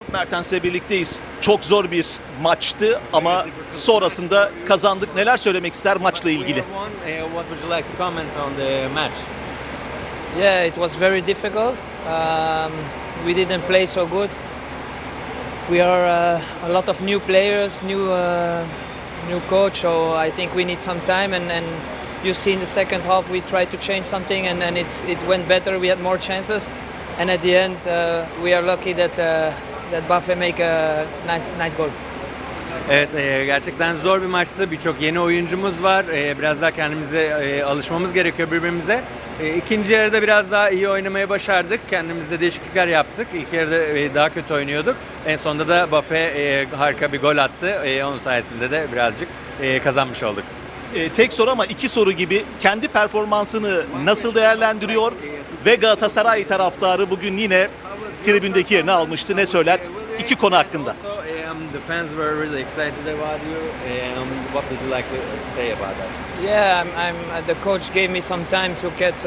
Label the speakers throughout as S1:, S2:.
S1: Mertens'le birlikteyiz. Çok zor bir maçtı ama sonrasında kazandık. Neler söylemek ister maçla ilgili?
S2: What would you like to comment on the match?
S3: Yeah, it was very difficult. We didn't play so good. We are a lot of new players, new coach, so I think we need some time. And you see in the second half we tried to change something, and it went better. We had more chances, and at the end we are lucky that Buffet make a nice goal.
S2: Evet, gerçekten zor bir maçtı. Birçok yeni oyuncumuz var. Biraz daha kendimize alışmamız gerekiyor birbirimize. İkinci yarıda biraz daha iyi oynamayı başardık. Kendimizde değişiklikler yaptık. İlk yarıda daha kötü oynuyorduk. En sonunda da Buffet harika bir gol attı. Onun sayesinde de birazcık kazanmış olduk.
S1: Tek soru ama iki soru gibi kendi performansını nasıl değerlendiriyor ve Galatasaray taraftarı bugün yine tribündeki yerini almıştı. Ne söyler? İki konu hakkında.
S2: The fans were really excited about you. What would you like to say about that?
S3: Yeah, the coach gave me some time to get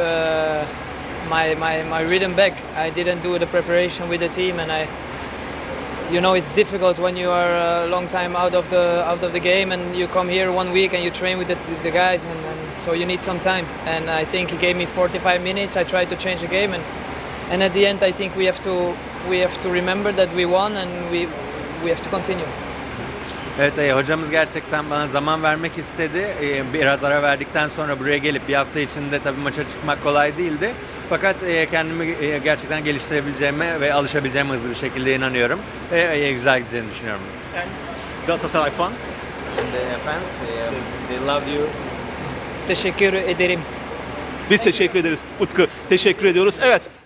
S3: my rhythm back. I didn't do the preparation with the team, and it's difficult when you are a long time out of the game, and you come here 1 week and you train with the guys, and so you need some time. And I think he gave me 45 minutes. I tried to change the game, and at the end I think we have to remember that we won, and we have to continue.
S2: Evet, hocamız gerçekten bana zaman vermek istedi. Biraz ara verdikten sonra buraya gelip bir hafta içinde tabii maça çıkmak kolay değildi. Fakat kendimi gerçekten geliştirebileceğime ve alışabileceğime hızlı bir şekilde inanıyorum. Ve güzel gideceğini düşünüyorum.
S1: Galatasaray fan.
S2: And the fans, they love you.
S3: Teşekkür ederim.
S1: Biz teşekkür ederiz Utku. Teşekkür ediyoruz. Evet.